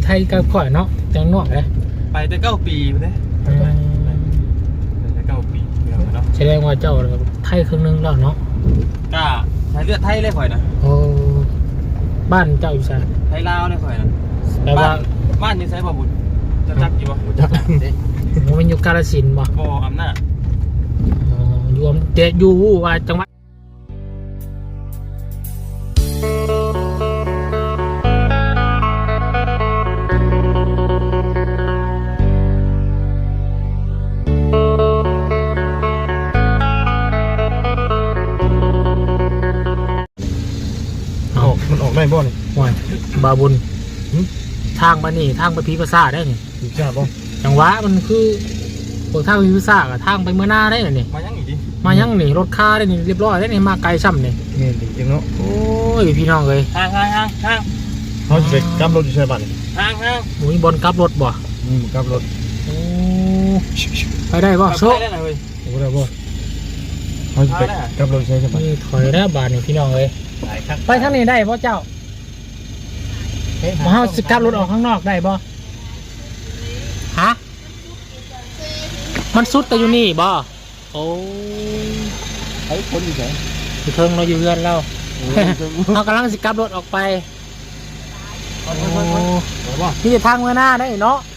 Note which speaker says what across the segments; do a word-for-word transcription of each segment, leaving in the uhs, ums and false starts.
Speaker 1: ไทยก็ค่อยเนาะจังนอกเลย
Speaker 2: ไปแต่เก้าปีเลยไปแต่เก้าปีเนาะ
Speaker 1: แสดงว่าเจ้าไทยครึ่งนึงแล้วเนาะ
Speaker 2: กล้าใช้เลือดไทยเลยข่อยนะ
Speaker 1: โอ้บ้านเจ้าอยู่ไส
Speaker 2: ไทยลาวเลยข่อยนะ
Speaker 1: แต่ว่า
Speaker 2: บ้านอยู่ไสบ่บุญจะจักอยู่บ่
Speaker 3: จัก
Speaker 1: มันอยู่กาฬสินธุ์บ่
Speaker 2: บ่อำนาจ
Speaker 1: อ๋ออยู่เดอยู่ว่าจังหวัด
Speaker 3: มันออกได้บ่นี่
Speaker 1: ว่าบาบุญทางมานี่ทางไปพีภาษาได้นี่
Speaker 3: ถูกจ้าบ่
Speaker 1: จังหวะมันคือพวกทางพีภาษากับทางไปเมื่อหน้าได้นี่
Speaker 2: มายังอีกดิ
Speaker 1: มายังนี่รถค่าได้นี่เรียบร้อยได้นี่มาไกลซ้ำนี่
Speaker 3: แม่นจริงเนาะ
Speaker 1: โอ้ยพี่น้องเลย
Speaker 2: ห่างห่างห่างห่าง
Speaker 3: เขาจะกลับรถอยู่ใช่บ้าน
Speaker 2: ห่างห่าง
Speaker 1: หมุยบนกลับรถบ่
Speaker 3: อืมกลับรถ
Speaker 1: โอ้ไปได้บ่โชค
Speaker 2: ได้เลย
Speaker 3: โอ้ได้บ่เขาจะไปกลับรถใช่ใช่บ้าน
Speaker 1: นี่ถอยแล้วบาทนี่พี่น้องเลยไปทางนี้ได้บ่เจ้ามาเฮาสิกลับรถออกข้างนอกได้บ่ฮะมันสุดแต่อยู่นี่บ่โอ้
Speaker 3: ไอ้คนอยู่ไหน
Speaker 1: อยู่เทิงเราอยู่เรือนเราเรากำลังสิกลับรถออกไปโอ้ที่จะทางเมื่อหน้าได้เนาะ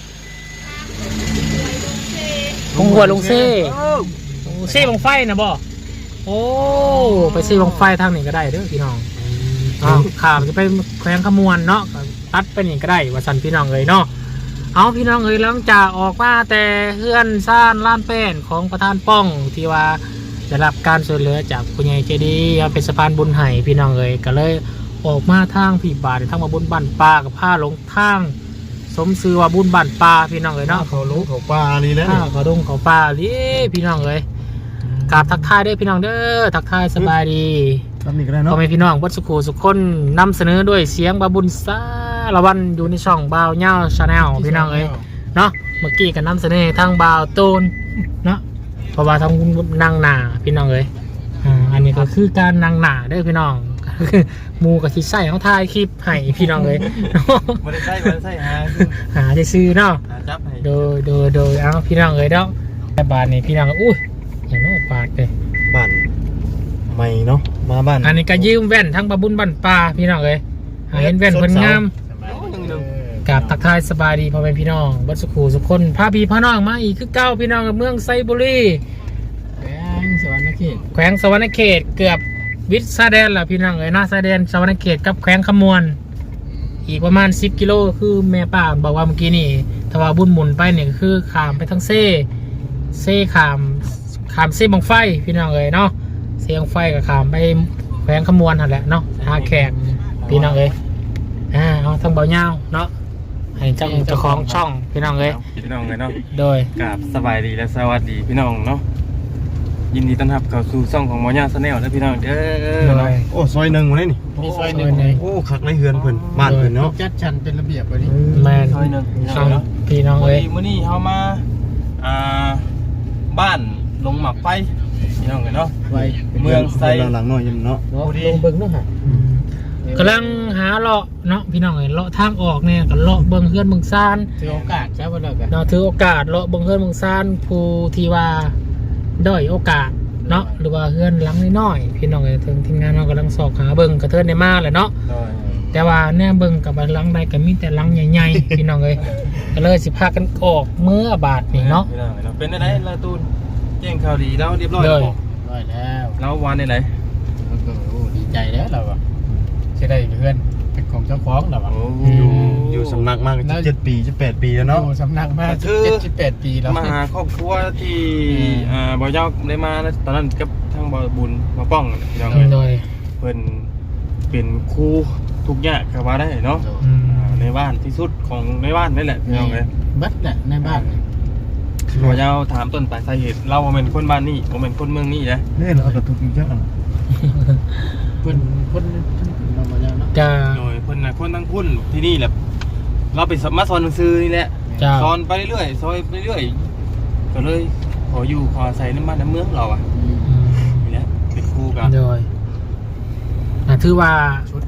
Speaker 1: ลงหัวลงเซ่เซ่ลงไฟนะบ่โอ้ไปเซ่ลงไฟทางนี้ก็ได้เด้อพี่น้องอ้าวขามจะไปแขวงขมวนเนาะตัดไปนี่ก็ได้ว่าสันพี่น้องเลยเนาะเอาพี่น้องเลยหลังจากออกมาแต่เฮือนซ่านล้านแป้นของประธานป้องที่ว่าได้รับการช่วยเหลือจากผู้ใหญ่ใจดีเป็นสะพานบุญไห้พี่น้องเลยก็เลยออกมาทางผีบาททางมาบุญบ้านปลากับผ้าหลงทางสมซื้อว่าบุญบ้านปลาพี่น้องเลยเนาะ
Speaker 3: เขาลงเขาปลานี่แล้ว
Speaker 1: เขาดงเขาปลาดิพี่น้องเลยกราบทักทายได้พี่น้องเด้อทักทายสบายดีพ่อแม่พี่น้องวัดสุขุสุขคนนำเสนอด้วยเสียงบาบุญซาละวันอยู่ในช่องบ่าวเน่าชาแนลพี่น้องเอ้ยเนาะเมื่อกี้ก็นำเสนอทางบ่าวโตนเนาะเพราะว่าทางนางหนาพี่น้องเอ้ยอ่าอันนี้ก็คือการนางหนาได้พี่น้องมูกับที่ใส่เขาถ่ายคลิปให้พี่น้องเลย
Speaker 2: ไม่ได้ใส่ไม่ได้ใส่หา
Speaker 1: หาจะซื้อเนาะ
Speaker 2: จับให้
Speaker 1: โดยโดยโดยเอาพี่น้องเลยเนาะแต่บาทนี่พี่น้องอุ้ยอย่างน้อยบาทเลย
Speaker 3: บ้านใหม่เนาะมาบ้าน
Speaker 1: อันนี้ก็ยืมแว่นทั้งบาบุญบ้านปลาพี่น้องเลยเห็นแว่นคนงามกับทักทายสบายดีพ่อแม่พี่น้องบัดสุขูสุขคนพาพี่พาน้องมาอีกคือเก้าพี่น้องกับเมืองไซบุรี
Speaker 3: แขวงสวรรณเขต
Speaker 1: แขวงสวรรณเขตเกือบวิทย์ซาแดนล่ะพี่น้องเลยนะซาแดนสวรรณเขตกับแขวงขมวนอีกประมาณสิบกิโลคือแม่ป้าบอกว่าเมื่อกี้นี่ถ้าว่าบุญหมุนไปเนี่ยคือขามไปทั้งเซ่เซ่ขามขามเซ่บังไฟพี่น้องเลยเนาะเซ่บังไฟกับขามไปแขวงขมวนนั่นแหละเนาะหาแขกพี่น้องเลยอ่าเอาทั้งเบาเงาเนาะให้เจ้าเจ้าของช่องพี่น้องเลย
Speaker 2: พี่น้องเลยเนาะ
Speaker 1: โดย
Speaker 2: กราบสบายดีและสวัสดีพี่น้องเนาะยินดีต้อนรับเข้าสู่ช่องของหมอญาชาแนลและพี่น้องเด้อ
Speaker 3: โอ้ซอยหนึ่งวันนี้นี่
Speaker 1: มีซอยหนึ่งโ
Speaker 3: อ้คักในเฮือนเพิ่นบ้านเพิ่นเนาะ
Speaker 2: จัดชันเป็นระเบียบวันนี้
Speaker 1: แม่
Speaker 2: ซอยหนึ่ง
Speaker 1: พี่น้องเลย
Speaker 2: มื้อนี้เขามาอ่าบ้านลงหมักไฟพี่น้องเลยเนาะเมืองไซ
Speaker 3: หลังๆหน่อยเนาะ
Speaker 1: ลงเบิ่งเนาะกำลังหาเลาะเนาะพี่น้องเอ้ยเลาะทางออกเนี่ยกับเลาะเบิ่งเฮือนเบิ่งซาน
Speaker 2: ถือโอกาสใช่ป่ะเนาะ
Speaker 1: เนาะถือโอกาสเลาะเบิ่งเฮือนเบิ่งซานผู้ที่ว่าด้อยโอกาสเนาะหรือว่าเฮือนหลังน้อยๆพี่น้องเอ้ยถึงทีมงานเรากำลังสอบหาเบิ่งกระเทินในมาเลยเนาะแต่ว่าแน่เบิ่งกับหลังใดก็มีแต่หลังใหญ่ๆพี่น้องเอ้ยก็เลยสิพากันออกเมื่อบาทนี่เนาะ
Speaker 2: เป็นได้ไหนละตูนแจ้งข่าวดีแล้วเรียบร้อย
Speaker 1: แล้ว
Speaker 2: ร้อยแล้วแล้ววันไหน
Speaker 3: โอ้ดีใจแล้วเราอะจะได้เพื่อนเป็นของเจ้าของเราอะอยู่อยู่สำนักมากเจ็ดปีจะแปดปีแล้วเนาะ
Speaker 2: สำนักมากเจ็ดสิบแปดปีแล้วมาหาครอบครัวที่อ่าบ่าวเจ้าได้มาตอนนั้นกับทางบ่าวบุญมาป้องพี่น้องเลยเพิ่นเป็นครูทุกอย่างก็ว่าได้เนาะในบ้านที่สุดของในบ้านนี่แหละพี่น้องเลย
Speaker 1: บัดแหละในบ้าน
Speaker 2: บ่าวเจ้าถามต้นปลายสาเหตุเราเป็นคนบ้านนี่ผมเป็นคนเมืองนี่นะ
Speaker 3: นี่เราจะถูกยิงจ้า
Speaker 1: เพิ่นเพิ่นเราบ่ยัง
Speaker 2: จ้าโดยเพิ่นน่ะคนทั้งพุ่นที่นี่แหละเราไปมาสอนหนังสือนี่แหละสอนไปเรื่อยๆซอยไปเรื่อยก็เลยขออยู่ขออาศัยในบ้านในเมืองเราอ่ะนี่แหละเป็นครูกัน
Speaker 1: โดยถือว่า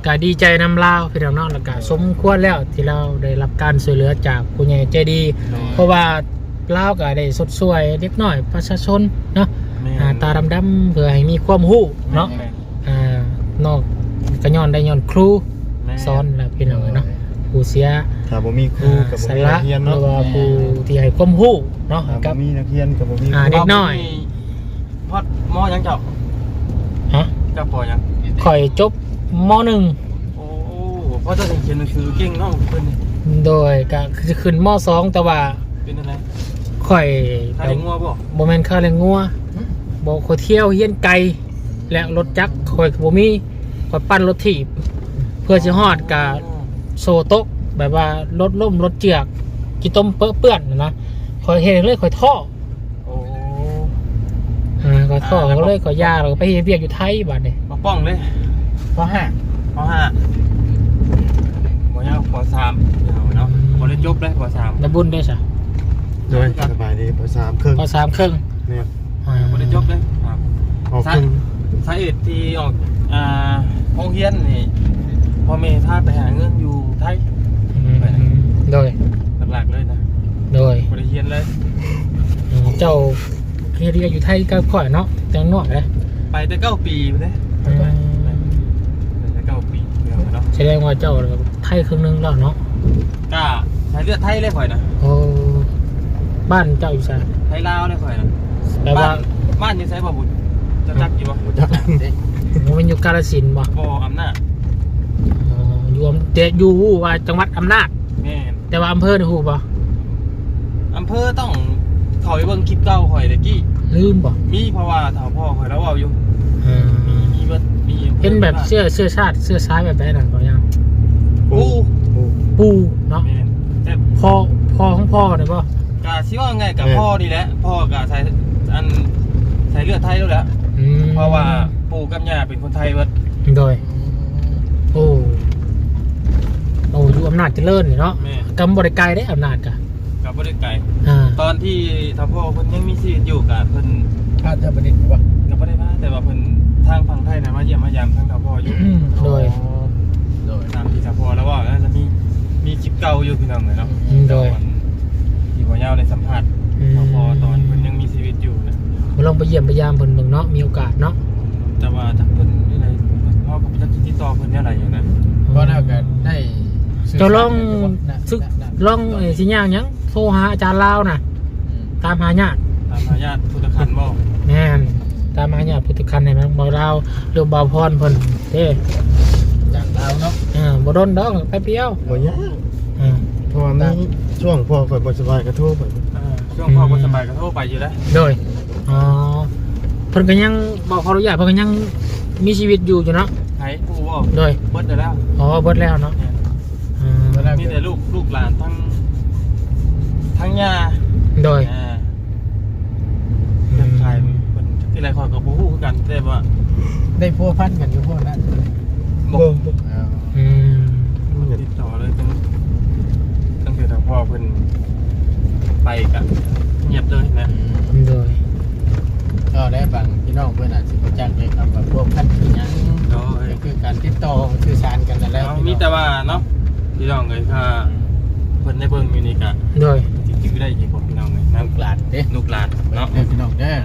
Speaker 1: ก็ดีใจนำลาวพี่น้องเนาะแล้วก็สมควรแล้วที่เราได้รับการช่วยเหลือจากผู้ใหญ่ใจดีเพราะว่าลาวก็ได้สดสวยเล็กน้อยประชาชนเนาะอ่าตาดำๆเพื่อให้มีความรู้เนาะอ่านอกก็ย้อนได้ย้อนครูสอนแล้วพี่น้องเนาะผู้เสีย
Speaker 3: ถ้าบ่มีครูกับบ่
Speaker 1: สา
Speaker 3: มี
Speaker 1: ระ
Speaker 3: นักเรียน
Speaker 1: หรื
Speaker 3: เนาะ
Speaker 1: อว่าผู้ที่ให้ความรู้เนาะ
Speaker 3: ถ้า
Speaker 1: กั
Speaker 3: บ่
Speaker 1: บ
Speaker 3: มีนักเรียนกับบ่มี
Speaker 1: อ่า
Speaker 3: ครู
Speaker 1: เด็กน้อย
Speaker 2: พอดมอยังเจ้า
Speaker 1: ฮะ
Speaker 2: เจ้าปอยัง
Speaker 1: ข่อยจบมหนึ่ง
Speaker 2: โอ้พ่อเจ้าเขียนหนังสือเก่งเนาะเพิ่น
Speaker 1: โดยก็คือขึ้นมสองแต่ว่า
Speaker 2: เป็นอะไร
Speaker 1: ข่อย
Speaker 2: ถ้าได้งัวบ่
Speaker 1: บ่แม่นข้าวแรงงัวบ่ข่อยเที่ยวเฮียนไกลและรถจักรข่อยก็บ่มีข่อยปั่นรถถีบเพื่อสิฮอดกะโซโตกแบบว่ารถล่มรถเจือกกี่ต้มเปื้อนเปื้อนนะข่อยเฮ็ดเลยข่อยท่อ
Speaker 2: โอ้
Speaker 1: อ่าข่อยท่อก็เลยข่อยยาแล้วก็ไปเฮ็ดเวียกอยู่ไทยบัดนี้
Speaker 2: มาป้องเลย
Speaker 3: ปห้า
Speaker 2: ปห้าบ่ยาวปสามเนาะบ่ได้จบเลยปสาม
Speaker 1: ได้บุญได้ซะ
Speaker 3: โดยสบายดีปสามครึ่ง
Speaker 1: ปสามครึ่ง
Speaker 3: เนี่ย
Speaker 1: อ่า
Speaker 2: บ่ได้จบเลยครับ
Speaker 3: ออกครึ่ง
Speaker 2: สาเหตุที่ออกอ่าโรงเรียนนี่พ่อแม่พาไปหาเงินอยู่ไทย
Speaker 1: อืมโดย
Speaker 2: หลักๆเลยนะ
Speaker 1: โดย
Speaker 2: บ่ได้เรียนเลย
Speaker 1: อืมเจ้าเฮ็ดเวียกอยู่ไทยก็ข่อยเนาะจังน้อยเด้
Speaker 2: ไปแต่เก้าปีไปเด้
Speaker 1: อืม
Speaker 2: ไปแต่เก้าปีเนาะ
Speaker 1: แสดงว่าเจ้าไทยครึ่งหนึงแล้วเนาะ
Speaker 2: กล้าใช้เลือดไทยเลยข่อยนะ
Speaker 1: โอ้บ้านเจ้าอยู่ไส
Speaker 2: ไทยลาวเลยข่อยนะ
Speaker 1: แปลว่า
Speaker 2: บ้านบ้านอยู่ไสบ่บุญจะจักอยู่บ่
Speaker 3: จัก
Speaker 1: มันอยู่กาฬสินธุ์บ่
Speaker 2: บ่อำนาจ
Speaker 1: อ๋ออยู่อำเดอยู่ว่าจังหวัดอำนาจ
Speaker 2: แม่น
Speaker 1: แต่ว่าอำเภอนี่ฮู้บ่
Speaker 2: อำเภอต้องเข้าไปเบิ่งคลิปเก่าข่อยตะกี้
Speaker 1: ลืมบ่
Speaker 2: มีเพราะว่าถ้าพ่อข่อยแล้วเว้าอยู่
Speaker 1: อ่า
Speaker 2: มีมีเบิดมีอำภอ
Speaker 1: เป็นแบบเสื้อเสื้อชาติเสื้อซ้ายแบบไหนนั่นก็ยัง
Speaker 2: ปู
Speaker 3: ปู
Speaker 1: ปูเนาะ
Speaker 2: แม่นแต่
Speaker 1: พ่อพ่อของพ่อนี่บ่
Speaker 2: กะสิว่าไงกับพ่อนี่แหละพ่อกะใส่อันใส่เลือดไทยแล้วแหละ
Speaker 1: อืม
Speaker 2: เพราะว่าปู่กับย่าเป็นคนไทยเบิด
Speaker 1: โดยโอ้โอ้อยู่อำนาจเจริญนี่เนาะ
Speaker 2: แม่
Speaker 1: กำบ่ได้ไกลได้อำนาจกะ
Speaker 2: กับบ่ได้ไกล
Speaker 1: อ่า
Speaker 2: ตอนที่ถ้าพ่อเพิ่นยังมีชีวิตอยู่กะเพิ่น
Speaker 3: ข้าจะประดิษฐ์บ่
Speaker 2: ก็บ่ได้มาแต่ว่าเพิ่นทางฝั่งไทยน่ะมาเยี่ยมมายามทางถ้าพ่ออยู่
Speaker 1: อืมโดย
Speaker 2: โดยตามที่ถ้าพ่อแล้วว่าแล้วจะมีมีคลิปเก่าอยู่พี่น้องเลยเนาะ
Speaker 1: อืมโดย
Speaker 2: ที่บ่ยาวได้สัมภาษณ์
Speaker 1: อืม
Speaker 2: ถ้าพ่อตอนเพิ่นยังมีชีวิตอยู่นะ
Speaker 1: มาลองไปเยี่ยมไปยามเพิ่นเบิ่งเนาะมีโอกาสเนาะ
Speaker 2: แต่ว่าถ้าเพิ่นนี่ไหนพ่อก็บ่จักติดต่อเพิ่นเนี่ยอะไรอย่างนั้น
Speaker 3: ก็น่าจะได้
Speaker 1: เจ้าลองซึกลองเอ่อสิย่างหยังโทรหาอาจารย์ลาวน่ะตามหาญาติ
Speaker 2: ตามหาญาติพุทธคันบ่
Speaker 1: แม่นตามหาญาติพุทธคันให้มันบ่ลาวหรือบ่าวพรเพิ่นเด้
Speaker 3: จากลาวเนาะ
Speaker 1: อ่าบ่โดนดอกแป๊บเดียว
Speaker 3: บ่ยาก
Speaker 1: อ่า
Speaker 3: เพราะว่ามีช่วงพ่อข่อยบ่สบายก็โทรไป
Speaker 2: เออช่วงพ่อบ่สบายก็โทรไปอยู่แล้ว
Speaker 1: โดยอ๋อเพิ่นก็ยังบ่ขออนุญาตเพิ่นก็ยังมีชีวิตอยู่อยู่เนาะ
Speaker 2: ไผปู่บ่
Speaker 1: โดย
Speaker 2: เบิดได้แล้ว
Speaker 1: อ๋อเบิดแล้วเนาะอ่า
Speaker 2: มีแต่ลูกลูกหลานทั้งทั้งย่า
Speaker 1: โดย
Speaker 2: อ่าเรื่องใครเพิ่นที่ไรขอยก็บ่ฮู้คือกันแต่ว่า
Speaker 3: ได้พัวพันกันอยู่พวกนั้น
Speaker 2: บ่
Speaker 1: อืม
Speaker 2: ติดต่อเลยตั้งตั้งแต่ทางพ่อเพิ่นไปกะเงียบเลยนะ
Speaker 1: โดย
Speaker 3: ก็ได้บางพี่น้องเพื่อนอาจจะรู้จักในคำว่าพวกพันธุ์อย่าง
Speaker 2: โดย
Speaker 3: ก็คือการติดต่อสื่อสารกันนั่นแหล้ว
Speaker 2: เอามีแต่ว่าเนาะพี่น้องเลยค่ะเพิ่นได้เบิ่งอยู่นี่กะ
Speaker 1: โดย
Speaker 2: จริงๆได้อีกผมพี่น้องเลย
Speaker 3: น้ำกลาดเด้
Speaker 2: ลูกหลานเนาะ
Speaker 3: เด้พี่น้องเด้อน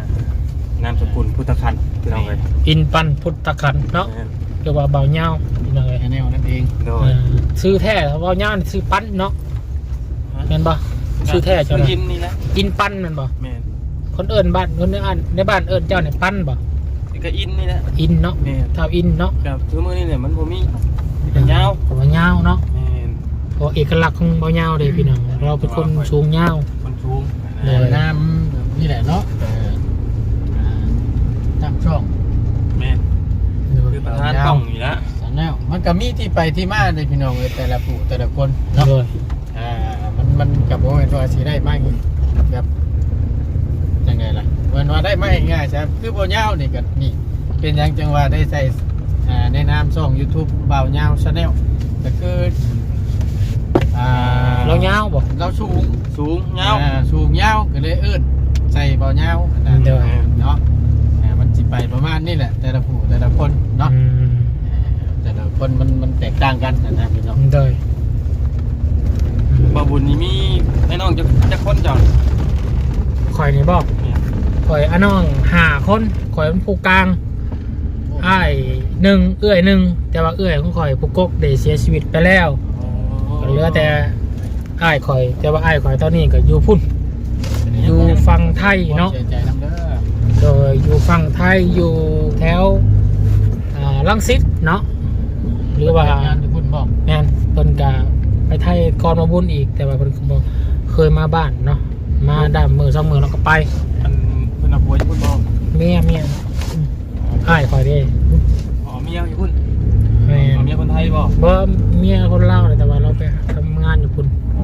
Speaker 2: ามสกุลพุทธคันพี่น้องเลย
Speaker 1: อินปันพุทธคันเนาะเรียกว่าเบาเหย้าพี่น้องเอ้ย
Speaker 3: แนวนั่นเอง
Speaker 2: โดย
Speaker 1: อ่าซื้อแท้เบาเหย้านี่ซื้อปั้นเนาะแม่นบ่ซื้อแท้เจ้า
Speaker 2: ซื้
Speaker 1: น่ะ
Speaker 2: ยินนี่แหละ
Speaker 1: อินปั้นแม่นบ่
Speaker 2: แม่น
Speaker 1: คนเอิ้นบ้านคนในบ้านในบ้านเอิ้นเจ้าเนี่ยปั้นบ่
Speaker 2: นี่ก็อินนี่แหละ
Speaker 1: อินเนาะ
Speaker 2: แม่น
Speaker 1: เท่าอินเนาะ
Speaker 2: กับคือมื้อนี้เนี่ยมันบ่มีเป็นยาว
Speaker 1: เบาเหย้าเนาะ
Speaker 2: แม่น
Speaker 1: เพราะเอกลักษณ์ของเบาเหย้าเด้พี่น้องเราเป็นคนสูงเหย้า
Speaker 2: คนสูง
Speaker 1: โดย
Speaker 3: น้ำนี่แหละเนาะเอออ่าตั้งช่อง
Speaker 2: แม่นคือประธานต้องอยู่แล้ว
Speaker 3: สามแนวมันก็มีที่ไปที่มาเลยพี่น้องเลยแต่ละผู้แต่ละคนเนาะ
Speaker 1: โดย
Speaker 3: อ่ามันมันกับโมเมนต์ว่าสิได้มากแบบยังไงล่ะเหมือนว่าได้ไม่ง่ายใช่ไหมคือโบเน่านี่ก็นี่เป็นอยังจังว่าได้ใส่อ่าในนามช่อง YouTube บ่าวเน่าชาแนลก็คืออ่า
Speaker 1: เราเหย้าบ่
Speaker 3: เราสูง
Speaker 2: สูงยาว
Speaker 3: อ่สูงเน่าก็เลยเอิ้นใส่บ่าวเน่านะ
Speaker 1: โดย
Speaker 3: เนาะอ่ามันสิไปประมาณนี้แหละแต่ละผู้แต่ละคนเนาะ
Speaker 1: อืม
Speaker 3: อ่าแต่ละคนมันมันแตกต่างกันนะพี่น้อง
Speaker 1: โดย
Speaker 2: บ่บุญนี่มีไอ้น้องจะจะคนเจ้า
Speaker 1: ข่อยนี่บอกข่อยอันน้องห้าคนข่อยเป็นผู้กลางอ้ายหนึ่งเอื้อยหนึ่งแต่ว่าเอื้อยของข่อยผู้กกได้เสียชีวิตไปแล้วก็เหลือแต่อ้ายข่อยแต่ว่าอ้ายข่อยตอนนี้ก็อยู่พุ่นอยู่ฝั่งไทยเนาะ
Speaker 3: เสียใจน้ำเด้อ
Speaker 1: โดยอยู่ฝั่งไทยอยู่แถวอ่าลังสิตเนาะหรือว่า
Speaker 3: งานที่พุ่นบอก
Speaker 1: แม่นเพิ่นก็ไปไทยก่อนมาบุญอีกแต่ว่าเพิ่นก็บ่เคยมาบ้านเนาะมาดามมือสองมือแล้วก็ไป
Speaker 2: อันเพิ่นเอาผัวอยู่พุ่นบ่
Speaker 1: เมียเมียอ้ายข่อยเด้
Speaker 2: อ๋อเมียอยู่พุ่น
Speaker 1: แม่
Speaker 2: อ๋อน เมียคนไทยบ่
Speaker 1: บ่เมียคนลาวเลยแต่ว่าเราไปทำงานอยู่พุ่น
Speaker 2: อ๋อ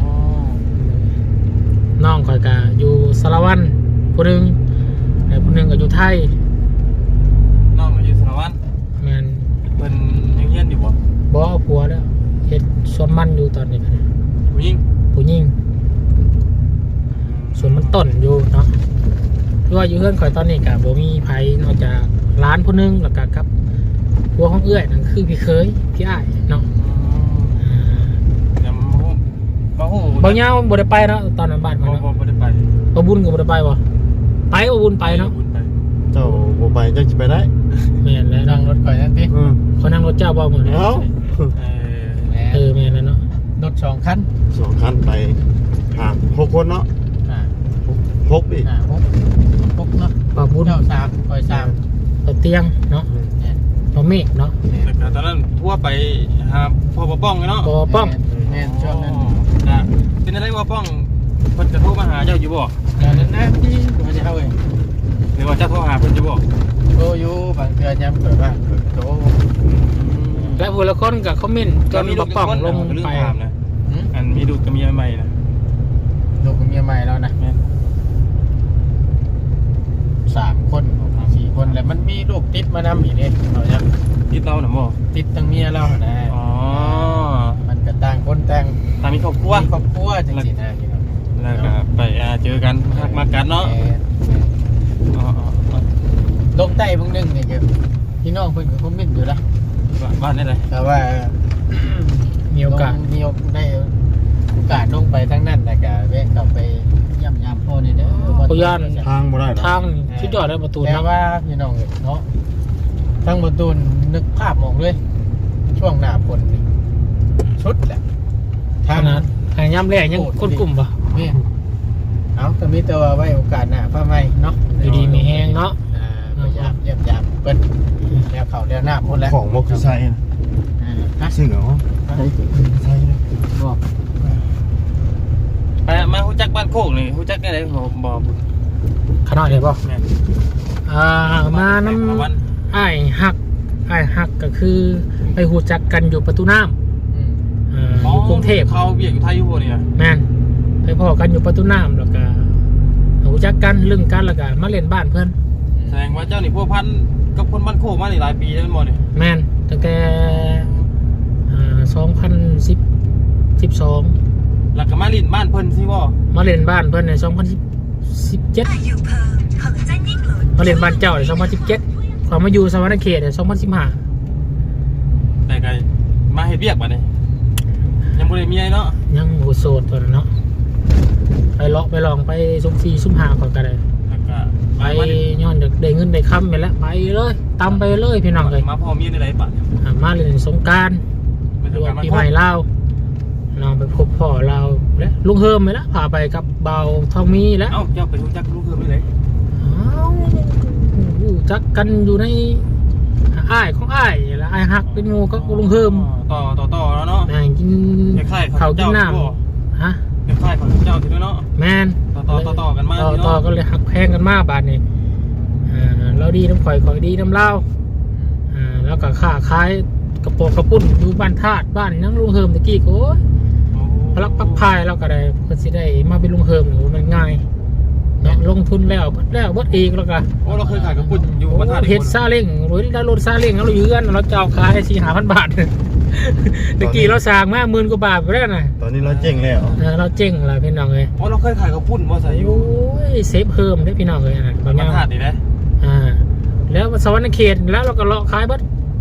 Speaker 1: น้องข่อยก็อยู่สารวัตรผู้หนึงแต่ผู้หนึงก็อยู่ไทย
Speaker 2: น้องอยู่สารวัตร
Speaker 1: แม่น
Speaker 2: เพิ่นยังเฮียนอยู่บ่
Speaker 1: บ่เอาผัวแล้วเฮ็ดสวนมันอยู่ตอนนี้ก็ได้
Speaker 2: ผู้หญิง
Speaker 1: ผู้หญิงสวนมันต้นอยู่เนาะคือว่าอยู่เฮือนข่อยตอนนี้ก็บ่มีไผนอกจากร้านผู้หนึงแล้วก็กับผัวของเอื้อยนั่นคือพี่เคยพี่อ้ายเนาะ
Speaker 2: เดี๋ยวมาฮู้มาฮู้
Speaker 1: บ่ยาวบ่ได้ไปเนาะตอนนั้นบ้าน
Speaker 2: บ่
Speaker 1: มันเนาะ
Speaker 2: บ่บ่ได้ไป
Speaker 1: บ่บุญก็บ่ได้ไปบ่ไปบ่บุญไปเนาะ
Speaker 2: บุญไป
Speaker 4: เจ้าบ่ไปเจ้าจะไปได้
Speaker 1: แม่นแล้ว
Speaker 3: นั่
Speaker 1: เนาะ
Speaker 3: งรถก่อนนั่นสิ
Speaker 4: อืม
Speaker 1: เขานั่งรถเจ้าบ่มื้อนี้
Speaker 4: เอ้า
Speaker 2: เออ
Speaker 3: แหม
Speaker 1: เออแม่นแล้วเนาะ
Speaker 3: รถสองคัน
Speaker 4: สองคันไปหาหกคนเนาะ
Speaker 3: อ่า
Speaker 4: หกดิ
Speaker 3: อ่าหกหกเนาะ
Speaker 1: บ่บุญ
Speaker 3: เจ้าสามคอยสาม
Speaker 1: บ่เตียงเนาะ
Speaker 3: เนี่ย
Speaker 1: บ่เมฆเนาะ
Speaker 2: แล้วก็ตอนนั้นทั่วไปหาพ่อบ่ป้องเนาะ
Speaker 1: บ่ป้อง
Speaker 3: แม่นช่วงนั้น
Speaker 2: นะเป็นอะไรบ่ป้องเพิ่นจะโทรมาหาเจ้าอยู่บ่
Speaker 3: เดี๋ยวนั้นนะที่เขาจะเอาเอง
Speaker 2: หรือว่าเจ้าโทรหาเพิ่นอยู่บ่
Speaker 3: โตอยู่บางเทื่อย้ำเปิดว่าเปิดโต
Speaker 1: และผู้ละคนก็คอมเมนต์จนบ่ป้องลง
Speaker 2: ลืม
Speaker 1: ไป
Speaker 2: ถามนะ
Speaker 3: หืม
Speaker 2: อันมีดูกับเมียใหม่นะ
Speaker 3: ลูกกับเมียใหม่แล้วนะ
Speaker 2: แม่น
Speaker 3: สามคนสี่คนแล้วมันมีลูกติดมานำอีกเนี่ยเราจะ
Speaker 2: ติดเราน่ะบ่
Speaker 3: ติดตั้งเมียเรานะ
Speaker 2: อ๋อ
Speaker 3: มันก็ต่างคนต่าง
Speaker 2: ตามมีครอบครัว
Speaker 3: มีครอบครัวจังสินะพี่น้อง
Speaker 2: แล้วก็ไปอ่าเจอกันฮักมากันเนาะ
Speaker 3: แม่
Speaker 2: อ๋ออ๋ออ๋อ
Speaker 3: ลงใต้เบางนึงนี่ก็พี่น้องเพิ่นก็คอมเมนต์อยู่ละ
Speaker 2: บ้านนี่เลย
Speaker 3: แต่ว่า
Speaker 1: มีโอกาส
Speaker 3: ลงมีโอกาสได้โอกาสลงไปทั้งนั้นแต่ก็แวะกลับไปย่ำยามพ่อนี่เด้อ
Speaker 1: ปุย่าน
Speaker 4: ทางบ่ได้หรอ
Speaker 1: ทางชุดยอดได้ประตู
Speaker 3: แต่
Speaker 1: เนาะ
Speaker 3: ว่าพี่น้องเนาะทั้งประตูนึกภาพมองเลยช่วงหน้าฝนนี่ชุดแหละ
Speaker 1: ทางนั้นทางย่ำแรกยังคนกลุ่มป่ะ
Speaker 3: นี่เอาก็มีแต่ว่าไว้โอกาสหน้าพระไม่เนาะ
Speaker 1: อยู่ดีมีแห้งเนาะ
Speaker 3: อ่าพยายามเยี่ยมยามเปิ้นแล้วเขาแล้วหน้าหมดแล้ว
Speaker 4: ของบ่คือใส่นะ
Speaker 3: อ่าฮะ
Speaker 4: ซึ่งเหรอใส่ใส่นะ
Speaker 3: บอก
Speaker 2: ไปมาฮู้จักบ้านโคกนี่ฮู้จักได้เลยบ่บ่บุญ
Speaker 1: ขนาดเลยป่ะ
Speaker 2: แม่น
Speaker 1: อ่ามาน้
Speaker 2: มาวัน
Speaker 1: ำอ้ายหักอ้ายหักก็คือไปหูจักกันอยู่ประตูน้ำ
Speaker 3: อืม
Speaker 1: อ่าอยู่กรุงเทพ
Speaker 2: เขาเบียกอยู่ไทยอยู่บ่เนี่ย
Speaker 1: แม่นไปพ่อกันอยู่ประตูน้ำแล้วก็หูจักกันลึงกันแล้วก็มาเล่นบ้านเพื่อน
Speaker 2: แสดงว่าเจ้านี่พัวพันกับคนบ้านโคกมานี่หลายปีแล้วแม่นบ่เนี่ย
Speaker 1: แม่นตั้งแต่สองพันสิบสิบสอง
Speaker 2: แล้วก็มาลิ้นบ้านเพิ่นสิบ่
Speaker 1: มาเล่นบ้านเพื่อนในสองพันสิบเจ็ดมาเล่นบ้านเจ้าในสองพันสิบเจ็ดความมาอยู่สวรรค์เขตในสองพันสิบห้า
Speaker 2: แต่ก็มาเฮ็ดเวียกบัดนี้ยังบ่ได้เมียเนาะ
Speaker 1: ยังโหโสดตัวนั้นเนาะไปเลาะไปลองไปสุ่มสี่สุ่มห้าก่อนก็ได้
Speaker 2: แล้วก็
Speaker 1: ไปย้อนได้เงินได้คำไปแล้วไปเลยตามไปเลยพี่น้องเลย
Speaker 2: มาพอเมียในไรปะ
Speaker 1: อ่ามาเล่นสงกรารหรือว่าปีใหม่ลาวน้องไปพบพ่อเราและลุงเฮิมไปแล้วพาไปกับเบาทองมีแล้ว
Speaker 2: เอ้าเจ้าไปรู้จักลูกเพิ่มได้เลย
Speaker 1: อ้าวรู้จักกันอยู่ในอ้ายของอ้ายแล้วอ้ายหักเป็นงูก็ลุงเฮิม
Speaker 2: ต่อต่อต่อแล้วเนาะ
Speaker 1: นางกิน
Speaker 2: คล้ายๆ
Speaker 1: เขาวกิน
Speaker 2: เจ้า
Speaker 1: น้ำฮะ
Speaker 2: คล้ายๆของเจ้าถึงเนาะ
Speaker 1: แมน
Speaker 2: ต่อต่อต่อต่อกันมา
Speaker 1: ต่อ
Speaker 2: พี่
Speaker 1: ต่อ
Speaker 2: เนาะ
Speaker 1: ก็เลยหักแพงกันมากบาทนี่อ่าเราดีน้ำข่อยข่อยดีน้ำเล่าอ่าแล้วก็ค้าขายกระโปรงกระปุ้นอยู่บ้านธาตุบ้านนั่งลุงเฮิมตะกี้ก็โอ้ยพลักปักพายเราก็ได้ก็สิได้มาเป็นลุงเฮิมหรือมันง่ายเนาะลงทุนแล้วเบิดแล้วเบิดอีกแล้วก็
Speaker 2: โอ้เราเคยขายกระปุ้นอยู่บ้านท่า
Speaker 1: เฮ็ดซาเล้งรถได้รถซาเล้งเราอยู่กันเราจะเอาขายให้สี่ห้าพันบาทตะกี้เราสร้างมาหมื่นกว่าบาทไปแล้วนะ
Speaker 4: ตอนนี้เราเจ๊งแล้ว
Speaker 1: เออเราเจ๊งละพี่น้องเลย
Speaker 2: โอ้เราเคยขายกระปุ้นว่าใส่อยู่
Speaker 1: โอ้ยเซฟเพิ่มได้พี่น้องเลยนะบางอ
Speaker 2: บ้า
Speaker 1: ย่าน ง
Speaker 2: ท่าดีนะ
Speaker 1: อ่าแล้วสวรรค์เขตแล้วเราก็เลาะขายเบัด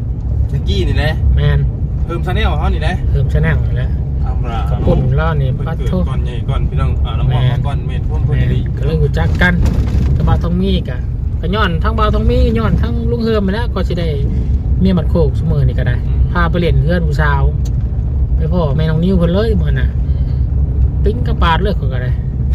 Speaker 2: ตะกี้นี่แหละ
Speaker 1: แมน
Speaker 2: เพิ่มชาแนลเขานี่แหละ
Speaker 1: เพิ่มชะแนลอยู่แล้ว
Speaker 2: เอาละ
Speaker 1: กระปุ่นล่านี่
Speaker 2: เพิ่น
Speaker 1: ปัด
Speaker 2: เกิด
Speaker 1: โทษ
Speaker 2: ก่อนใหญ่ก่อนพี่น้องอ่าน้องมองก่อนเมนพ่วง
Speaker 1: แม
Speaker 2: เพิ่น
Speaker 1: น
Speaker 2: ดี
Speaker 1: ก็เลยรู้จักกันกับบาวทองมีกะก็ย้อนทั้งบาวทองมีย้อนทั้งลุงเฮิมไปแล้วก็สิได้เมียมัดโคกเสมอนี่ก็ได้พาไปเล่นเพื่อนผู้สาวไปพ่อแม่น้องนิ้วเพิ่นเลยมื้อน่ะปิ้งกระปาดเลยก็ได้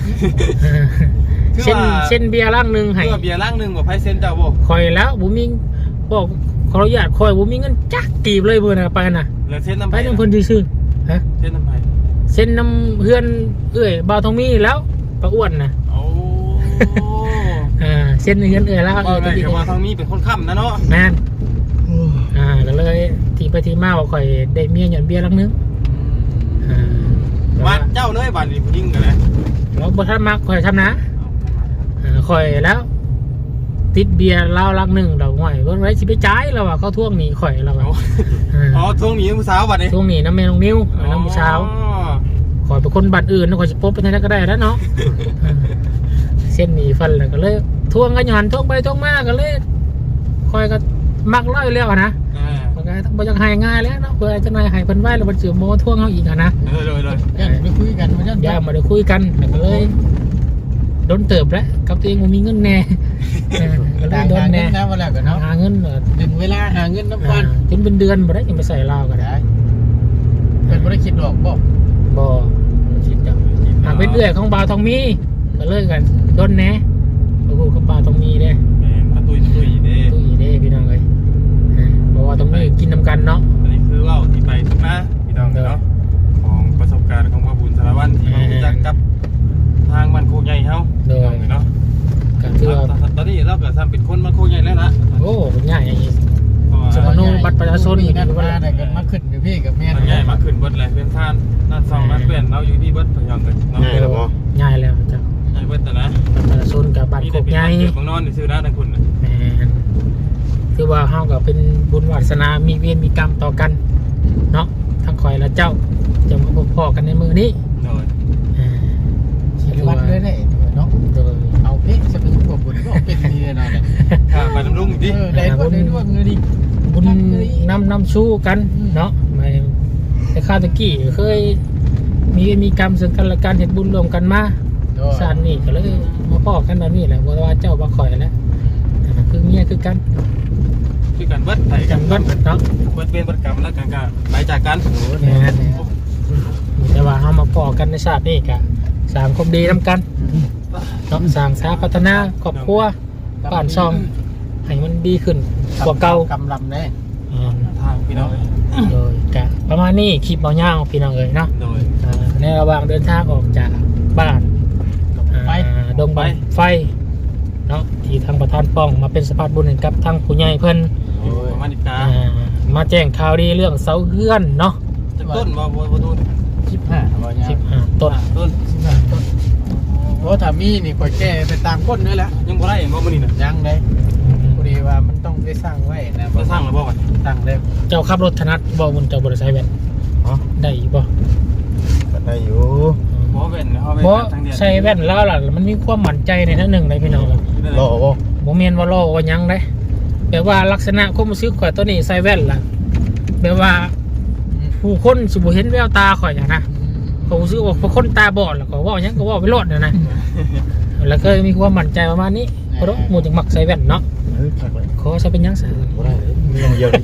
Speaker 1: เส้นเส้นเบียร์ลังนึงให้
Speaker 2: เพื่อเบียร์ล่างหนึงบ่ไผเซ็นเจ้าบ่
Speaker 1: คอยแล้วบ่มีบอกขออนุญาตคอยบ่มีเงินจักกีบเลยมื้อน่ะไปน่ะ
Speaker 2: แล้วเซ็นน้ำ
Speaker 1: ไป
Speaker 2: ไผ
Speaker 1: นำเพิ่นซื่อๆฮะ
Speaker 2: เซ็นน้ำไผ
Speaker 1: เส้นน้ำเพื่อนเอ้ยบ่าวทองมีแล้วปลาอ้วนน่ะ
Speaker 2: โอ้
Speaker 1: อ่าเส้นเพื่อนเอ้ยแล้ว
Speaker 2: บ่
Speaker 1: เอ้ย
Speaker 2: ได้ก็ว่าทางนี้เป็นคนค้ำนะเนาะ
Speaker 1: แม่นอ่าก็เลยที่ไปที่มาว่าข่อยได้เมียหย่อนเบียร์ลังนึงอ่า
Speaker 2: มาเจ้าเลยบาดนี้ผู้หญิงกันเลย
Speaker 1: เราบ่ทันมักข่อยทำนะอ่าข่อยแล้ว ติดเบียร์เหล้าลังนึงดอกห้อยเบิ่งไว้สิไปจ่ายแล้วว่าเขาทวงหนี้ข่อยแล้วว่า
Speaker 2: อ๋อทวงหนีผู้สาวบาดนี้
Speaker 1: ทวงหนี้น้ำแม่น้องนิ้วน้ำผู้สาวข่อยเป็นคนบ้านอื่นข่อยสิพบไปทางนั้นก็ได้แล้วเนาะอ่าเส้นหนีฟันแล้วก็เลยทวงกันอยู่หันทวงไปทวงมาก็เลยข่อยก็มักร้อยแล้วอะนะ
Speaker 2: อ่า
Speaker 1: มันก็ต้องบ่อยากให้ง่ายแล้วเนาะเพื่อจะนายให้เพิ่นไว้แล้วมันสิโมทวงเฮาอีกอะนะ
Speaker 2: เลยเลยเลย
Speaker 3: ยันไปคุยกันมายัน
Speaker 1: อย่ามาได้คุยกันแล้วก็เลยโดนเติบแล้วกับตัวเองบ่มีเงินแน่เออก็เล
Speaker 3: ต่าย ง
Speaker 1: โดน
Speaker 3: หาเงิ
Speaker 1: แน่
Speaker 3: นนะว่าแล้วกันเนาะ
Speaker 1: หาเงินเออ
Speaker 3: ถึงเวลาหาเงินน้ำ
Speaker 1: อ่า
Speaker 3: กัน
Speaker 1: จนเป็นเดือนบ่ได้ยังไปใส่ลาวก็ได้
Speaker 3: ได้เป็นบริคิดดอกบอก
Speaker 1: บ่คิดจังหากเป็นเอื้อยของบ่าวทองมีก็เลยกันโดนแน่โอ้โหกับบ่าวทองมีเด้
Speaker 2: แม่นประตุยประตุยเด้
Speaker 1: ตุ้ยเด้พี่น้องเอ้ยอ่าเพราะว่าตรงนี้กินนํกันเนาะ
Speaker 2: อันนี้คือว่าที่ไปทุกนะพี่น้องเนาะของประสบการณ์ของพระบุญสารวัตรที่เรารู้จักกับทางมันโคกใหญ่เฮา
Speaker 1: โด
Speaker 2: พี่น้อย งเนาะ
Speaker 1: ก็ถือว่า
Speaker 2: ตอนนี้เราก็ทำเป็นคนมันโคกใหญ่แล้วล่ะ
Speaker 1: โอ้เป็นใหญ่อย่างนี้
Speaker 2: เพราะว่า
Speaker 1: สมโนบัตรประชาชน
Speaker 3: นี่นั่นมาได้กันมาขึ้นกับพี่กับแม่
Speaker 2: มันใหญ่มาขึ้นเบิดเลยเป็นท่านนั่นสองนั่นเปลี่ยนเราอยู่ที่เบิดพี่น้องเลยเนาะ
Speaker 4: ง่ายแล้วบ่
Speaker 1: ใหญ่แล้วจ้ะ
Speaker 2: ใหญ่เบิดแต่นะ
Speaker 1: บัตรประชาชนกับบัตร
Speaker 2: มี
Speaker 1: โค
Speaker 2: แต่
Speaker 1: ก
Speaker 2: เป็น
Speaker 1: ใหญ่
Speaker 2: เกิดของนอนในซื้อร้านทั้งคุณ
Speaker 1: แหมคือว่าเฮาก็เป็นบุญวาสนามีเวรมีกรรมต่อกันเนาะทั้งคอยและเจ้าจะมาพบพ่อกันในมือนี้
Speaker 2: โดย
Speaker 1: อ่า
Speaker 3: ชีวัดด้วยได้เนาะ
Speaker 1: โดย
Speaker 3: เอาเพ่จะเป็นพวกบุญก็เป็นดีเนาะ
Speaker 2: ข้าไปน้ำลุงดิ
Speaker 3: เออได้ก็ได้ด้วยเงินดิ
Speaker 1: บุญนำนำชู้กันเนาะไม่แต่ข้าตะกี้เคยมีเวรมีกรรมซึ่งกันและกันเห็นบุญรวมกันมาชาตินี้ก็เลยมาพ่อกันแบบนี้แหละว่าว่าเจ้าบ่คอยแล้วอ่าคือเมียคือกัน
Speaker 2: คือกันเบิดไถ
Speaker 1: กั
Speaker 2: กัน น
Speaker 1: เบิ
Speaker 2: เบิ
Speaker 1: ด
Speaker 2: ด
Speaker 1: เนาะ
Speaker 2: เบิดเป็นเบิดกรรมแล้วกันก็ไปจากกัน
Speaker 1: แม่นแต่ว่าเฮามาพอกันในชาตินี้ก็สร้างความดีนํกันเนาะสร้างสาพัฒนาครอบครัวบ้านช่องให้มันดีขึ้นกว่าเก่าก
Speaker 3: ำลำได้
Speaker 1: อ่า
Speaker 2: ทางพี่น้อง
Speaker 1: โดยกะประมาณนี้คลิปเบาย่างพี่น้องเอ้ยเนาะ
Speaker 2: โดย
Speaker 1: อ่าในระหว่างเดินทางออกจากบ้าน
Speaker 3: ไป
Speaker 1: อ่าดงบันไฟเนาะที่ทางประธานป้องมาเป็นสะพานบุญให้กับทางผู้ใหญ่เพิ่น
Speaker 2: ประมาณนี้กา
Speaker 1: อ่ามาแจ้งข่าวดีเรื่องเสาเฮือนเนาะ
Speaker 2: จากต้นบ่บ่บ่ต้น
Speaker 3: สิบห้าบ่เนี่ย
Speaker 1: สิบห้าต้น
Speaker 2: ต้น
Speaker 3: สิบห้าต้นเพราะถ้ามีนี่ข่อยแก้ไปตามก้นนี่แหละ
Speaker 2: ยังบ่ได้บ่มื้อนี้น่ะ
Speaker 3: ยังเลยพอดีว่ามันต้องได้สร้างไว้นะ
Speaker 2: จะสร้างแล้วบ่บัด
Speaker 3: สร้างได้
Speaker 1: เจ้าขับรถถนัดบ่บุญเจ้าบริษัทแว่น
Speaker 4: อ๋อ
Speaker 1: ได้อยู่บ่
Speaker 4: ก็ได้อยู่
Speaker 2: บ่แว่นเฮา
Speaker 1: เพราะ
Speaker 2: ทางเดียว
Speaker 1: ใส่แว่นแล้วล่ะมันมีความมั่นใจในนั้นหนึ่งเลยพี่น้อง
Speaker 4: รอบ่
Speaker 1: บ่แม่นว่าล้อว่าหยังเด้แบบว่าลักษณะความรู้สึกข่อยตัวนี้ใส่แว่นล่ะแบบว่าผู้คนสิบ่เห็นแววตาข่อยอย่างนะเขารู้สึกว่าเป็นคนตาบอดแล้วก็เว้าหยังก็เว้าไปโลดน่ะนะแล้วก็มีความมั่นใจประมาณนี้เพราะหมู่จังมักใส่แว่นเนาะ
Speaker 4: เฮ้ยคักเลย
Speaker 1: ขอใช้เป็นหยังซะ
Speaker 4: บ่ได้เลยมีอย่างเดียวดิ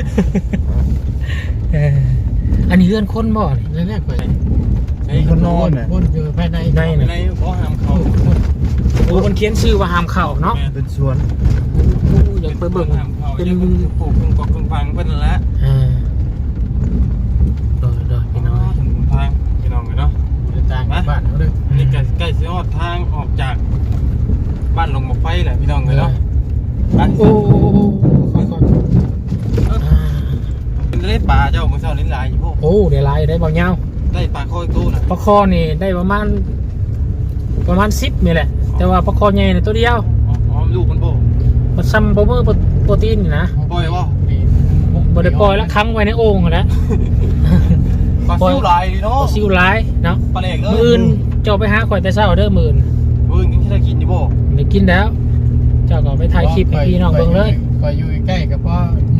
Speaker 1: เอออันนี้เรือนคนบ่นี่
Speaker 3: นั่นแหละข่อย
Speaker 2: ไอ้
Speaker 4: มีคนนอนน่ะ
Speaker 3: พ่นอยู่ภายใน
Speaker 1: ใน
Speaker 2: ในบ่ห้ามเข้า
Speaker 1: โอ้มันเขียนชื่อว่าห้ามเข้าเนาะ
Speaker 4: เป็นสวน
Speaker 1: โอ้อยากไปเบิ่ง
Speaker 2: เป็
Speaker 1: เป็น น
Speaker 2: ปลูกปลูกกอกกึ่งฟังเพิ่นนั่นแหละ
Speaker 1: อ่าโดยโดยพี่น้อง
Speaker 2: ถึงทางพี่น้องเลยเนาะ
Speaker 3: จะต่างกับบ้านเขาด้วย
Speaker 2: นี่ใกล้ใกล้สิฮอดทางออกจากบ้านลงหมอกไฟแหละพี่น้องเลยเนาะไป
Speaker 1: โอ้ค่อยๆอ่า
Speaker 2: เป็นเล่ปลาเจ้ามื้อเช้านี้หลายอยู่พวก
Speaker 1: โอ้ได้หลายได้บ่ยาว
Speaker 2: ได้ปลาคอยตู้น่ะ
Speaker 1: ปลาคอนี่ได้ประมาณประมาณสิบนี่แหละ แต่ว่าปลาคอใหญ่นี่ตัวเดียว
Speaker 2: อ๋อลูกมันบ่
Speaker 1: มันซ้ำโปรเมอร์โปรตีนนี่นะ
Speaker 2: ปล่อยบ่
Speaker 1: บ่ได้ปล่อยแล้วค้างไว้ในโอ่งนั่นแหละ
Speaker 2: ปลาซิวหลายดี
Speaker 1: ป
Speaker 2: เนาะ
Speaker 1: ลาซิวหลายเนาะ
Speaker 2: ปลาเล็กเล
Speaker 1: มื้อย อื่นเจ้าไปหาข่อยแต่เช้าเด้อมื้ออื่น
Speaker 2: มื้อกินที่ได้กินดิบ่
Speaker 1: ไม่กินแล้ว เจ้าก็ไปถ่ายคลิปให้พี่น้องเบิ่งเลย
Speaker 3: คอยอยู่ใกล้กับพ่อโย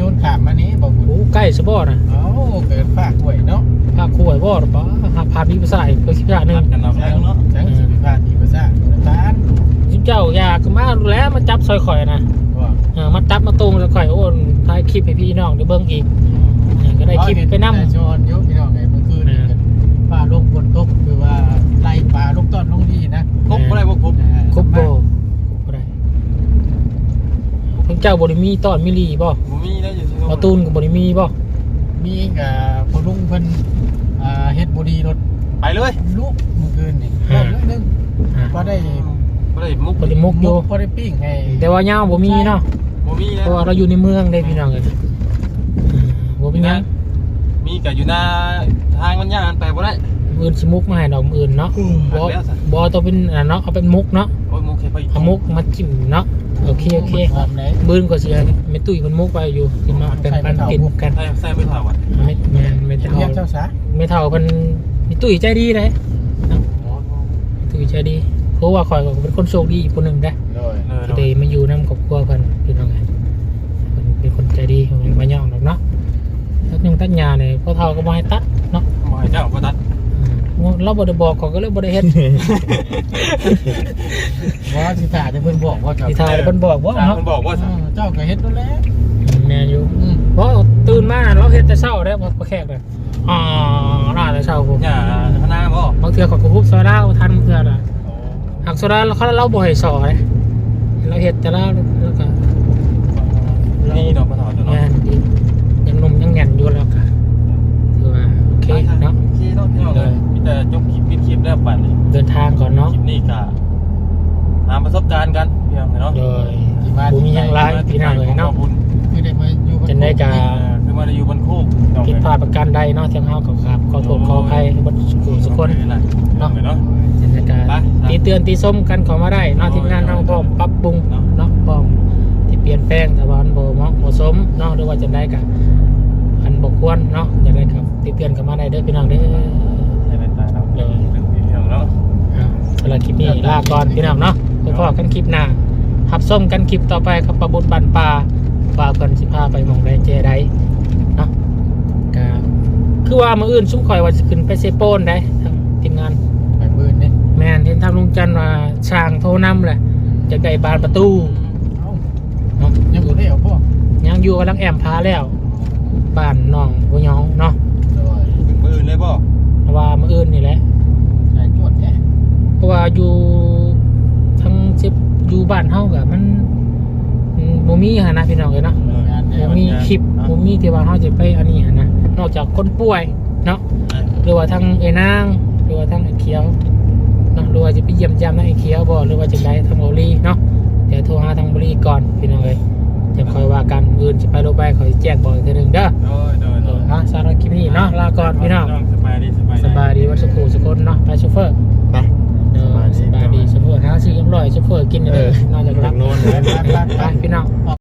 Speaker 3: นขามมานี้บ่บุญ
Speaker 1: โอ้ใกล้สะบ่น่ะ
Speaker 3: เอ้าเกิดฝากหวยเนาะ
Speaker 1: ภาคคู่ไอ้บ่หรอปะหาพาพี่ภาษาอีกไปสิบอย่างหนึง
Speaker 2: กันเอา
Speaker 3: จัง
Speaker 2: เนาะ
Speaker 3: จังสิบพาดีภาษาตาน
Speaker 1: สิเจ้าอยากมาดูแลมาจับซอยข่อยนะ
Speaker 3: ว่า
Speaker 1: เออมาจับมาตูมซอยข่อยโอนถ่ายคลิปให้พี่น้องได้เบิ่งอีกเออก็ได้คลิปไปนำ
Speaker 3: ชอนยุพี่น้องไงเมื่อคืนนี่กันป่าลงฝนตกคือว่าไล่ป่าลงต้นลงดีนะ
Speaker 2: ครบบ่ได้บ่ครบ
Speaker 1: ครบบ่ครบบ่ได้เพิ่นเจ้าบ่ได้มีตอนมิลีบ่
Speaker 2: บ่มีได้อยู่ที่
Speaker 1: บ่ตูนก็บ่ได้มีบ่
Speaker 3: มีกับพอลุงเพิ่นอ่าเฮ็ดบดีรถ
Speaker 2: ไปเลย
Speaker 3: ลูกเมื่อคืนนี่รอบนึง
Speaker 1: อ่า
Speaker 3: พอได้
Speaker 2: บ่ได้มุก
Speaker 1: บ่ได้มุกอยู่
Speaker 3: พอได้ปิ้งให้
Speaker 1: แต่ว่ายาวบ่มีเนาะ
Speaker 2: บ่มี
Speaker 1: เพ
Speaker 2: นะ
Speaker 1: ราะว่าเราอยู่ในเมืองเด้พี่น้องเอ้ยอืมบ่มีหยัง
Speaker 2: มีก็อยู่หน้าทางมันย่างไปบ่ได้
Speaker 1: อื่นสิมุกมาให้ดอกอื่นเนาะบ่บ่ต้องเป็นอันนั้นเนาะเอาเป็นมุกเนาะ
Speaker 2: โอ้ยมุกแค่ไปอีก
Speaker 1: เอามุกมาจิ้มเนาะโอเคโอเค
Speaker 3: พร้อมไหน
Speaker 1: บืนก็สิให้แม่ตุ้ยเพิ่นมุกไปอยู่กินมาเป็นปันกินกัน
Speaker 2: ใส่ใส่ไม่ผ่าว่ะ
Speaker 1: ไม่แม่นไม่
Speaker 3: เรี
Speaker 1: เท่าย
Speaker 3: กเจ้าซะ
Speaker 1: ไม่เท่าเพิ่นแม่ตุ้ยใจดีเด้แม่ตุ้ยใจดีเพราะว่าข่อยก็เป็นคนโชคดีอีกคนหนึงเด้
Speaker 3: โดย
Speaker 2: เออ
Speaker 1: ที่ได้มาอยู่นำครอบครัวเพิ่นพี่น้องเอ้ยเพิ่นเป็นคนใจดีของมาย่องดอกเนาะตัดยังตัดหญ้านี่พ่อเฒ่าก็บ่ให้ตัดเนาะ
Speaker 2: บ่ให้เจ้าบ่ตัด
Speaker 1: อืมเราบ่ได้บอกเขาก็เลยบ่ได้เฮ็ด
Speaker 3: ว่าสิถ่าจะเพิ่นบอกว่าเจ้า
Speaker 1: ที่ทายเพิ่นบอกว่า
Speaker 2: ทาง
Speaker 1: เนาะ
Speaker 2: มันบอกว่า
Speaker 3: เออเจ้าก็เฮ็ดนั่นแหละ
Speaker 1: แม่นอยู่
Speaker 3: อืม
Speaker 1: เพราะตื่นมาเราเฮ็ดแต่เช้าเด้บ่บ่แขกเลยอ๋อน่าแต่เช้าผม
Speaker 2: อย่าพนาบ่
Speaker 1: บางเทื่อเขาก็ฮุบโซดาทันบางเทื่อน่ะหักโซดาเขาเราบ่ให้สอเลยเราเฮ็ดแต่ละแล้วก็
Speaker 2: นี่ดอกกระถางเนาะ
Speaker 1: งานดียังหนมยังแน่นอยู่แล้วก็ถือว่าโอเคเนาะ
Speaker 2: โอเคเนาะพี่น้องเลยมีแต่จบคลิปปิดคลิปแล้วปัดนี่
Speaker 1: เดินทางก่อนเนาะ
Speaker 2: คลิปนี้ก็หาประสบการณ์กันพี่น้องเนาะ
Speaker 1: โดยบ่มีหยังหลายพี่น้องเลยเนาะ
Speaker 3: คือได้มาอยู่
Speaker 1: จังได้ก็
Speaker 2: คือมาได้อยู่บนโคก
Speaker 1: ผิดพลาดประการใดเนาะทางเฮาก็ครับขอโทษขออภัยบ่ทุกคนทุกคน
Speaker 2: เนาะเนาะ
Speaker 1: จังได้ก็ตีเตือนตีส้มกันเข้ามาได้เนาะทีมงานเฮาพร้อมปรับปรุงเนาะพร้อมที่เปลี่ยนแปลงแต่ว่ามันบ่เหมาะบ่สมเนาะหรือว่าจังไดก็อันบ่ควรเนาะจังไดครับตีเตือนเข้ามาได้เด้อพี่น้องเด้อ
Speaker 2: ใช่เป็นตาเราเรื่องพี่น้องเนาะ
Speaker 1: อ่าสำหรับคลิปนี้ลาก่อนพี่น้องเนาะพบกันคลิปหน้าหับส้มกันคลิปต่อไปกับปะบุญบันปลาปลาเพิ่นสิพาไปหม่องใดเจใดเนาะก็คือว่ามื้ออื่นซุ่มข่อยว่าสิขึ้นไปเซโปนได้ทางทีมงาน
Speaker 3: ไปปืนนี่
Speaker 1: แม่นเห็นทางลุงจันทร์ว่าช่างโทรนำแหละจะได้บานประตู
Speaker 3: เอ้า
Speaker 1: เนาะ
Speaker 3: ยังบ่ได้เอาพ่อ
Speaker 1: ยังอยู่กำลังแอมพาแล้วบ้านน้องบ่ยองเนาะ
Speaker 3: โดย
Speaker 2: มือเลยบ่
Speaker 1: เพราะว่ามื้ออื่นนี่แหละ
Speaker 3: ใส่จวดแท้
Speaker 1: เพราะว่าอยู่ทั้งสิบอยู่บ้านเฮาก็มันอืมบ่มีหันนะพี่น้องเอ้ยเนาะ บ่มีคลิปบ่มีที่ว่าเฮาจะไปอันนี้หันนะนอกจากคนป่วยเนาะหรือว่าทางไอ้นางหรือว่าทางไอ้เขียวเนาะหรือว่าจะไปเยี่ยมยามทางไอ้เขียวบ่หรือว่าจะไปทางบุรีเนาะเดี๋ยวโทรหาทางบุรีก่อนพี่น้องเอ้ยจะคอยว่ากันอื่นสิไปโลไปขอยแจ้งบอกอีกทีหนึงเด้อ
Speaker 2: โดยโดย
Speaker 1: เอ
Speaker 2: โด
Speaker 1: อย อ่ะสำหรับคลิปนี้เนาะลาก่อนพี่น้อง
Speaker 2: สบายดีสบาย
Speaker 1: สบายดีวันสุขสุขคนเนาะไปโชเฟอร์
Speaker 4: ไป
Speaker 1: เออสบายดีโชเฟอร์หาซื้ออร่อยโชเฟอร์กินเลยนอกจากรับ
Speaker 4: โน่น
Speaker 1: ไปไปไปพี่น้อง